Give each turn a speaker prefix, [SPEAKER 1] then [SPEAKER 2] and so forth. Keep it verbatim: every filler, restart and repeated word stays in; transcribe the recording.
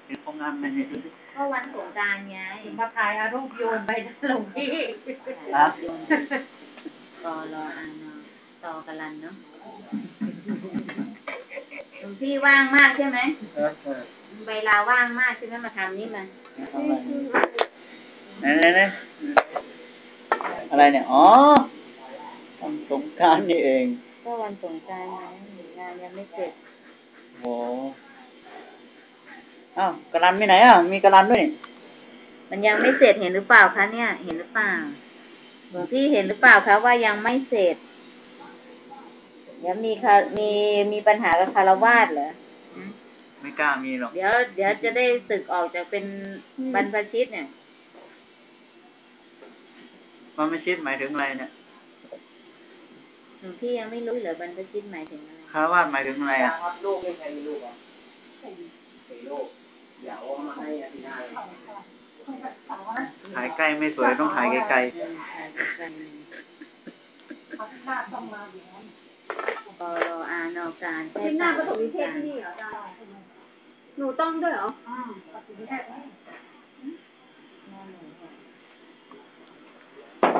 [SPEAKER 1] เห็นของงานมันเนี่ย
[SPEAKER 2] ก็วันสงกรานต์ไง
[SPEAKER 3] มาถ่ายอารูปโยนไปหลวงพี่
[SPEAKER 1] ครับ
[SPEAKER 2] รอรออ่านต่อกันลันเนาะหลวงพี่ว่างมากใช่ไหมเวลาว่างมากใช่ไหมมาทำนี่มา
[SPEAKER 1] ไหนไหนไหนอะไรเนี่ยอ๋อวันสงกรานต์นี่เอง
[SPEAKER 2] ก็วันสงกรานต์ไงงานยังไม่เสร็จ
[SPEAKER 1] โอ้อ้าวกระดานมีไหนอ่ะมีกระดานด้วยนี่
[SPEAKER 2] มันยังไม่เสร็จเห็นหรือเปล่าคะเนี่ยเห็นหรือเปล่าหลวงพี่เห็นหรือเปล่าคะว่ายังไม่เสร็จเดี๋ยวมีค่ะมีมีปัญหากับคารวาสเหรอ
[SPEAKER 1] ไม่กล้ามีหรอก
[SPEAKER 2] เดี๋ยวเดี๋ยวจะได้สึกออกจากเป็นบรรพชิตเนี่ย
[SPEAKER 1] บรรพชิตหมายถึงอะไรเนี่ย
[SPEAKER 2] หลวงพี่ยังไม่รู้เหรอบรรพชิตหมายถึงอะไร
[SPEAKER 1] คารวาสหมายถึงอะไรอ่ะ
[SPEAKER 4] ลูกไม่ใช่ลูกอ่ะสี่ลูกเดี๋ยวเอามาให้อาทิตย์หน้าเลย
[SPEAKER 1] ถ่ายใกล้ไม่สวยต้องถ่ายไกลๆ
[SPEAKER 2] ปอรออานอการแค่
[SPEAKER 3] หน้าประถมนิเทศที่นี่เหรอจ้าหนูต้องด้วยเหรออ่าประถมนิเทศ